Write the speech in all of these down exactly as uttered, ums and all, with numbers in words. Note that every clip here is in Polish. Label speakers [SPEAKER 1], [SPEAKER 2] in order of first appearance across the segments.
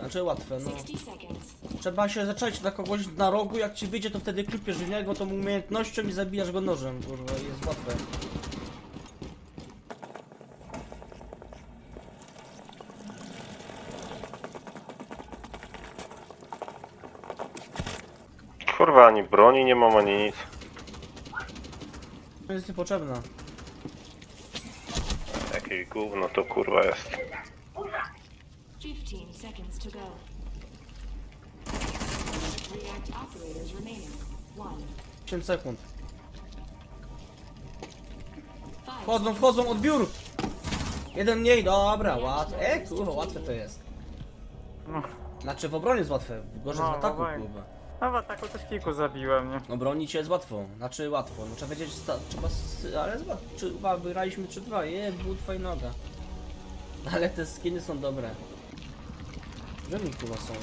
[SPEAKER 1] znaczy łatwe, no. Trzeba się zacząć na kogoś na rogu, jak ci wyjdzie to wtedy klupiesz w niego tą umiejętnością i zabijasz go nożem, kurwa, i jest łatwe.
[SPEAKER 2] Kurwa, ani broni nie mam, ani nic.
[SPEAKER 1] To jest niepotrzebna.
[SPEAKER 2] Jakieś gówno to kurwa jest.
[SPEAKER 3] fifteen seconds to go. React operators remaining. One.
[SPEAKER 1] pięć sekund. Wchodzą, wchodzą, odbiór! Jeden mniej, dobra, łatwe. E, kurwa, łatwe to jest. Znaczy w obronie jest łatwe, gorzej
[SPEAKER 4] No,
[SPEAKER 1] w ataku,
[SPEAKER 4] w obronie.
[SPEAKER 1] kurwa.
[SPEAKER 4] No w ataku też kilku zabiłem, nie?
[SPEAKER 1] Obronić się jest łatwo, znaczy łatwo, no trzeba wiedzieć, sta- trzeba, s- ale zobacz, czy, chyba wygraliśmy trzy dwa, je, butwa i noga. Ale te skiny są dobre. Gdzie mi kurwa są?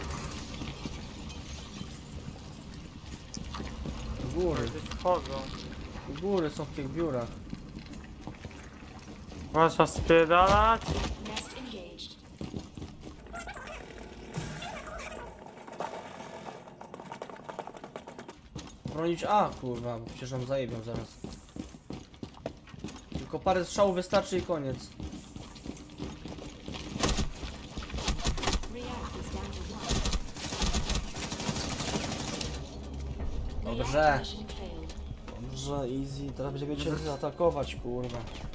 [SPEAKER 1] U góry,
[SPEAKER 4] Gdzieś wchodzą.
[SPEAKER 1] u góry są w tych biurach.
[SPEAKER 4] Można spierdalać.
[SPEAKER 3] Nest engaged.
[SPEAKER 1] Bronić A, kurwa, bo przecież nam zajebią zaraz. Tylko parę strzałów wystarczy i koniec.
[SPEAKER 3] React is down to one.
[SPEAKER 1] Dobrze.
[SPEAKER 3] React mission failed.
[SPEAKER 1] Dobrze, easy, teraz będziemy cię zaatakować, kurwa.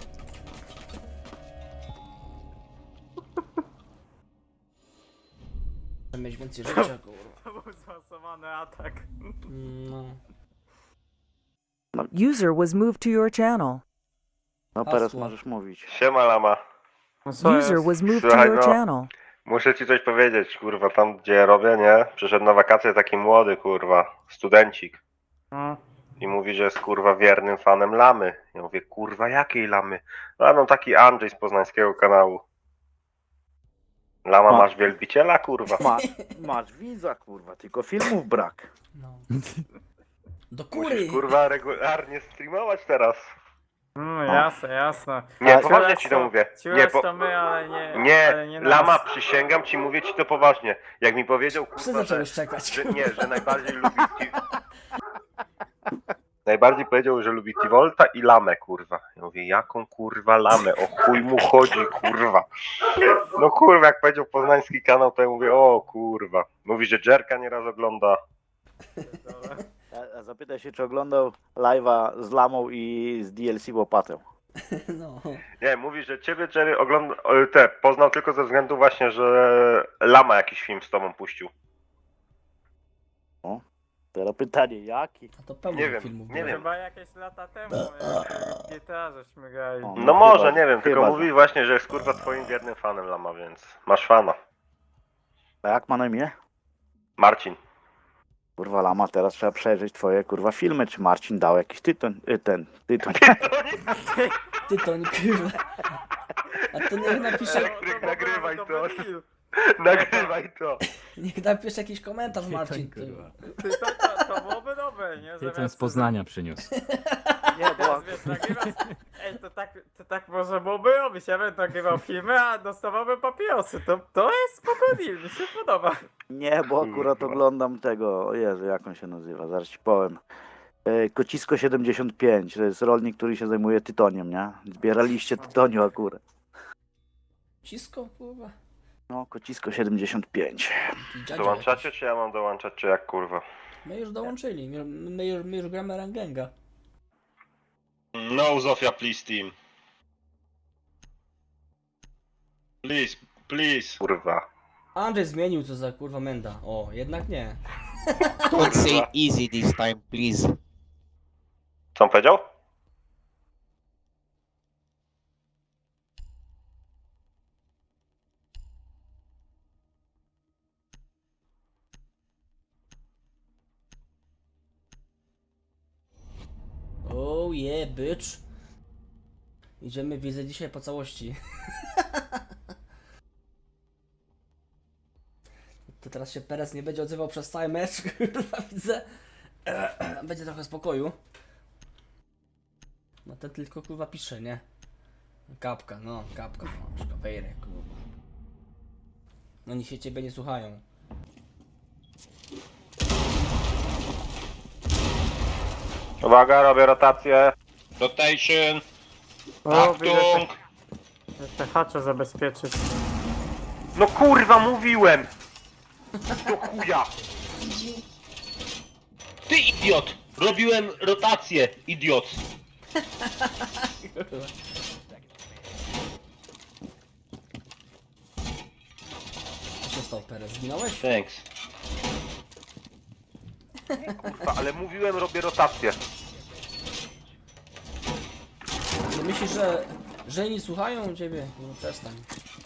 [SPEAKER 1] Chcę mieć więcej życia, kurwa.
[SPEAKER 4] To był zmasowany atak.
[SPEAKER 1] No.
[SPEAKER 5] User was moved to your channel.
[SPEAKER 6] No teraz
[SPEAKER 1] Hasło.
[SPEAKER 6] możesz mówić.
[SPEAKER 2] Siema lama.
[SPEAKER 4] No co
[SPEAKER 5] User
[SPEAKER 4] jest?
[SPEAKER 5] was moved to
[SPEAKER 2] Słuchaj,
[SPEAKER 5] your
[SPEAKER 2] no.
[SPEAKER 5] channel.
[SPEAKER 2] Muszę ci coś powiedzieć, kurwa, tam gdzie robię, nie? Przyszedł na wakacje taki młody, kurwa, studencik.
[SPEAKER 4] No.
[SPEAKER 2] I mówi, że jest kurwa wiernym fanem lamy. Ja mówię, kurwa, jakiej lamy? A no taki Andrzej z poznańskiego kanału. Lama,
[SPEAKER 6] Ma-
[SPEAKER 2] masz wielbiciela, kurwa.
[SPEAKER 6] Masz, masz widza, kurwa, tylko filmów brak.
[SPEAKER 1] No. Do kury!
[SPEAKER 2] Musisz kurwa regularnie streamować teraz.
[SPEAKER 4] No jasne, jasne.
[SPEAKER 2] Nie,
[SPEAKER 6] A,
[SPEAKER 2] poważnie ci to mówię. Nie,
[SPEAKER 4] Ciulasz
[SPEAKER 2] po...
[SPEAKER 4] to my, ale nie.
[SPEAKER 2] nie,
[SPEAKER 4] ale nie nas.
[SPEAKER 2] lama, przysięgam ci, mówię ci to poważnie. Jak mi powiedział,
[SPEAKER 1] Psy
[SPEAKER 2] kurwa, że,
[SPEAKER 1] zaczęły szczekać.
[SPEAKER 2] że nie, że najbardziej lubi Ti- Najbardziej powiedział, że lubi Tivolta i lamę, kurwa. Ja mówię, jaką kurwa lamę? O chuj mu chodzi, kurwa. No kurwa, jak powiedział poznański kanał, to ja mówię, o kurwa. Mówi, że Jerka nieraz ogląda.
[SPEAKER 6] A, a zapytaj się, czy oglądał live'a z Lamą i z D L C Łopatą.
[SPEAKER 1] No.
[SPEAKER 2] Nie, mówi, że ciebie Jerry ogląda, o, te, poznał tylko ze względu właśnie, że lama jakiś film z tobą puścił.
[SPEAKER 6] Teraz pytanie, jaki?
[SPEAKER 1] A to pełno
[SPEAKER 2] Nie wiem,
[SPEAKER 1] filmów
[SPEAKER 2] nie
[SPEAKER 1] było.
[SPEAKER 2] wiem.
[SPEAKER 4] Chyba jakieś lata temu, jak G T A żeśmy grali.
[SPEAKER 6] O.
[SPEAKER 2] No
[SPEAKER 6] No
[SPEAKER 2] może,
[SPEAKER 6] chyba,
[SPEAKER 2] nie wiem, tylko
[SPEAKER 6] chyba,
[SPEAKER 2] mówi
[SPEAKER 6] że-
[SPEAKER 2] właśnie, że jest kurwa twoim wiernym fanem lama, więc masz fana.
[SPEAKER 6] A jak ma na imię?
[SPEAKER 2] Marcin.
[SPEAKER 6] Kurwa, Lama, teraz trzeba przejrzeć twoje, kurwa, filmy, czy Marcin dał jakiś tytoń, y, ten, tytoń.
[SPEAKER 1] Ty to nie kurwa. A to niech napisze,
[SPEAKER 2] Elektryk, nagrywaj to.
[SPEAKER 4] Dobry deal.
[SPEAKER 2] Nagrywaj to.
[SPEAKER 1] niech napisze jakiś komentarz, Marcin. Ty.
[SPEAKER 4] Ty, to, to, to byłoby dobre, nie?
[SPEAKER 7] Tytoń z
[SPEAKER 4] Zamiast-
[SPEAKER 7] Poznania przyniósł.
[SPEAKER 6] Nie, bo
[SPEAKER 4] Teraz, wiesz, nagrywasz... Ej, to tak, to tak można byłoby robić. Ja bym nagrywał filmy, a dostawałbym papierosy. To, to jest spoko deal, mi się podoba.
[SPEAKER 6] nie, bo akurat
[SPEAKER 2] Kurwa.
[SPEAKER 6] oglądam tego, o Jezu, jak on się nazywa, zaraz ci powiem. E, Kocisko siedemdziesiąt pięć, to jest rolnik, który się zajmuje tytoniem, nie? Zbieraliście tytoniu akurat.
[SPEAKER 1] Cisko, kurwa.
[SPEAKER 6] No, Kocisko siedemdziesiąt pięć.
[SPEAKER 1] Taki dziadzio
[SPEAKER 2] Dołączacie,
[SPEAKER 1] jakiś.
[SPEAKER 2] czy ja mam dołączać, czy jak kurwa?
[SPEAKER 1] My już dołączyli, my, my, już, my już gramy Rangenga.
[SPEAKER 8] No, Zofia, please, team. Please, please.
[SPEAKER 2] Kurwa.
[SPEAKER 1] Andrzej zmienił co za kurwa menda. O, jednak nie.
[SPEAKER 9] Don't say easy this time, please.
[SPEAKER 2] Co on powiedział?
[SPEAKER 1] Oh yeah, bitch. Idziemy, widzę dzisiaj po całości. To teraz się Perez nie będzie odzywał przez cały mecz, kurwa, widzę. Będzie trochę spokoju. No ten tylko kurwa pisze, nie? Kapka, no, kapka, no, szkawejrek, kurwa. Oni się ciebie nie słuchają.
[SPEAKER 2] Uwaga, robię rotację.
[SPEAKER 8] Rotation.
[SPEAKER 4] O, widzę
[SPEAKER 8] Achtung.
[SPEAKER 4] te, te hacze zabezpieczyć.
[SPEAKER 2] No kurwa, mówiłem! Do chuja!
[SPEAKER 8] Ty idiot! Robiłem rotację, idiot!
[SPEAKER 1] Co się stało, Perez? Zginąłeś?
[SPEAKER 8] Thanks.
[SPEAKER 2] Kurwa, ale mówiłem, robię rotację.
[SPEAKER 1] No myślisz, że, że nie słuchają ciebie? No przestań.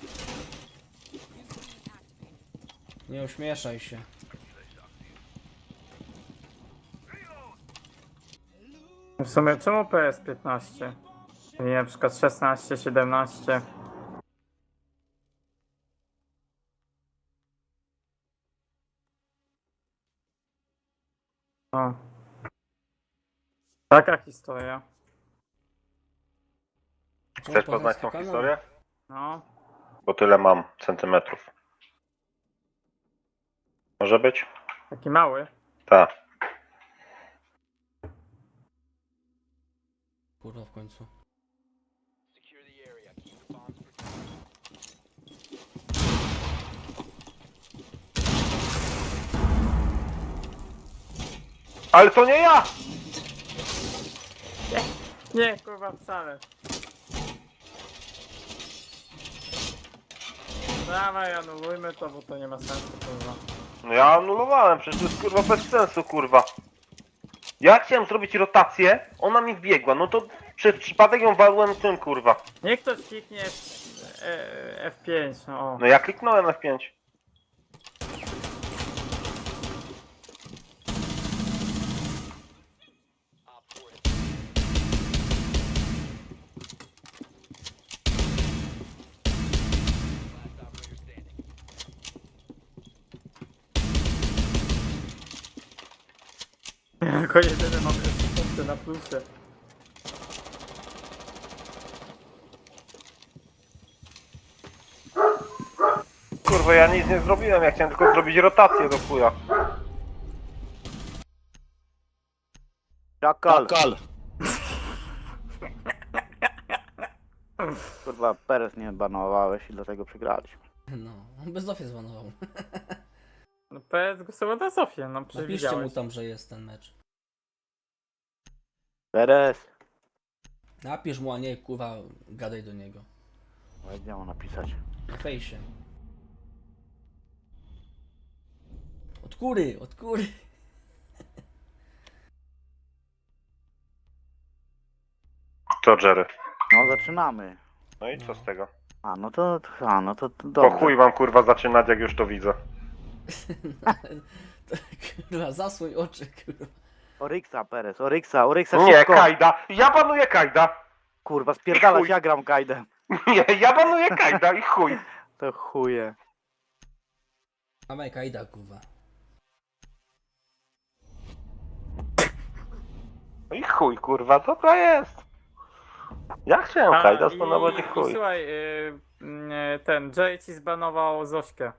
[SPEAKER 1] Nie uśmieszaj się.
[SPEAKER 4] W sumie czemu P S piętnaście? Nie, na przykład szesnaście, siedemnaście. O. Taka historia.
[SPEAKER 1] Czemu
[SPEAKER 2] Chcesz poznać tą
[SPEAKER 1] kanał?
[SPEAKER 2] historię?
[SPEAKER 4] No.
[SPEAKER 2] Bo tyle mam centymetrów. Może być?
[SPEAKER 4] Taki mały.
[SPEAKER 2] Tak.
[SPEAKER 1] Kurwa w końcu.
[SPEAKER 2] Ale to nie ja!
[SPEAKER 4] Nie, kurwa, wcale. Dawaj, anulujmy to, bo to nie ma sensu, kurwa.
[SPEAKER 2] No ja anulowałem, przecież to jest kurwa bez sensu, kurwa. Ja chciałem zrobić rotację, ona mi wbiegła, no to przez przypadek ją walłem tym, kurwa.
[SPEAKER 4] Niech ktoś kliknie F, e, F pięć, no o.
[SPEAKER 2] No ja kliknąłem F pięć.
[SPEAKER 4] Jako jedyny mam jeszcze punkty na plusie.
[SPEAKER 2] Kurwa, ja nic nie zrobiłem, ja chciałem tylko zrobić rotację do chuja.
[SPEAKER 6] Czakal.
[SPEAKER 9] Kal.
[SPEAKER 6] Kurwa, Perez nie banowałeś i dlatego przegraliśmy.
[SPEAKER 1] No, on bez Zofie zbanował.
[SPEAKER 4] No P S głosował na Sofię, no
[SPEAKER 1] Napiszcie mu
[SPEAKER 4] przewidziałeś.
[SPEAKER 1] tam, że jest ten mecz.
[SPEAKER 6] Perez.
[SPEAKER 1] Napisz mu, a nie kurwa gadaj do niego.
[SPEAKER 6] Ale gdzie mam napisać?
[SPEAKER 1] Na fejsie. Od góry, od góry.
[SPEAKER 2] Co, Jerry?
[SPEAKER 6] No zaczynamy.
[SPEAKER 2] No i co z tego?
[SPEAKER 6] A no to, a no to, to
[SPEAKER 2] Po
[SPEAKER 6] dobrze.
[SPEAKER 2] chuj wam kurwa zaczynać, jak już to widzę.
[SPEAKER 1] Kurwa, zasłoń oczy, kurwa.
[SPEAKER 6] Oryksa, Perez, Oryksa, Oryksa
[SPEAKER 2] Nie,
[SPEAKER 6] szybko.
[SPEAKER 2] Kajda! Ja banuję Kajda!
[SPEAKER 6] Kurwa, spierdalać,
[SPEAKER 2] Chuj.
[SPEAKER 6] ja gram Kajdem.
[SPEAKER 2] Nie, ja banuję Kajda i chuj!
[SPEAKER 6] To chuje.
[SPEAKER 1] Dawaj Kajda, kurwa.
[SPEAKER 2] No i chuj, kurwa, dobra jest. Ja chciałem
[SPEAKER 4] A,
[SPEAKER 2] Kajda
[SPEAKER 4] i,
[SPEAKER 2] spanować i
[SPEAKER 4] i
[SPEAKER 2] chuj.
[SPEAKER 4] słuchaj, y, y, ten Jay ci zbanował Zośkę.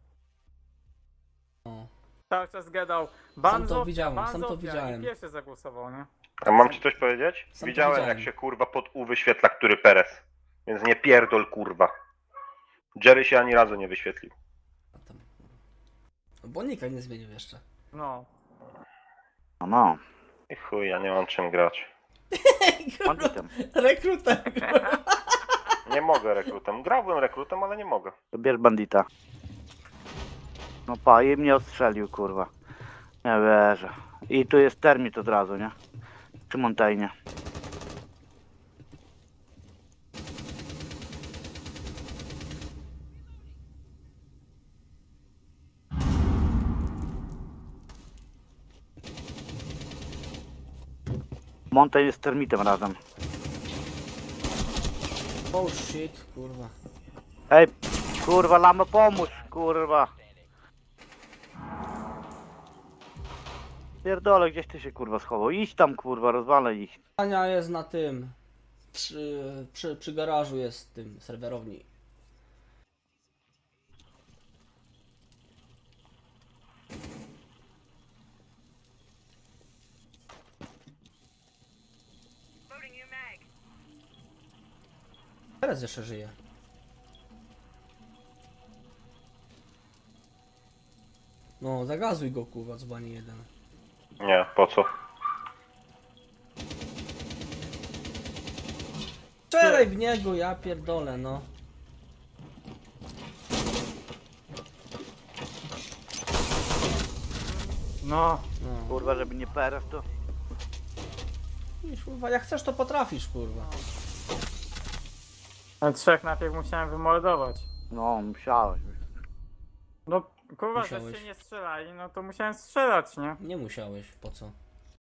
[SPEAKER 1] No.
[SPEAKER 4] Cały czas gadał ban
[SPEAKER 1] Sam to
[SPEAKER 4] Zofia,
[SPEAKER 1] widziałem,
[SPEAKER 4] ban
[SPEAKER 1] sam to
[SPEAKER 4] Zofia
[SPEAKER 1] widziałem.
[SPEAKER 4] i pierwszy zagłosował, nie?
[SPEAKER 2] A mam ci coś powiedzieć?
[SPEAKER 1] Sam to
[SPEAKER 2] Widziałem,
[SPEAKER 1] widziałem.
[SPEAKER 2] jak się kurwa pod U wyświetla, który Perez. Więc nie pierdol, kurwa. Jerry się ani razu nie wyświetlił.
[SPEAKER 1] A tam. Bo nika nie zmienił jeszcze.
[SPEAKER 4] No.
[SPEAKER 6] No no,
[SPEAKER 2] I chuj, ja nie mam czym grać.
[SPEAKER 6] banditem.
[SPEAKER 1] Rekruta, kurwa.
[SPEAKER 2] Nie mogę rekrutem. Grałbym rekrutem, ale nie mogę.
[SPEAKER 6] To bierz bandita. No pa, i mnie odstrzelił, kurwa. Nie wierzę. I tu jest termit od razu, nie? Przy Montaigne. Montaigne jest termitem razem.
[SPEAKER 1] Oh shit, kurwa.
[SPEAKER 6] Ej, kurwa, lamo, pomóż, kurwa. Pierdolę, gdzieś ty się, kurwa, schował. Idź tam, kurwa, rozwalę ich.
[SPEAKER 1] Ania jest na tym. Przy, przy, przy garażu jest tym serwerowni. Teraz jeszcze żyje. No, zagazuj go, kurwa, dzbanie jeden.
[SPEAKER 2] Nie, po co?
[SPEAKER 1] Strzelaj w niego, ja pierdolę, no.
[SPEAKER 4] No,
[SPEAKER 1] No.
[SPEAKER 6] Kurwa, żeby nie peref to...
[SPEAKER 1] Widzisz, kurwa, jak chcesz, to potrafisz, kurwa.
[SPEAKER 4] ale trzech najpierw musiałem wymordować.
[SPEAKER 6] No, musiałeś.
[SPEAKER 4] No, kurwa,
[SPEAKER 1] Musiałeś.
[SPEAKER 4] że się nie strzelali, no to musiałem strzelać, nie?
[SPEAKER 1] Nie musiałeś, po co?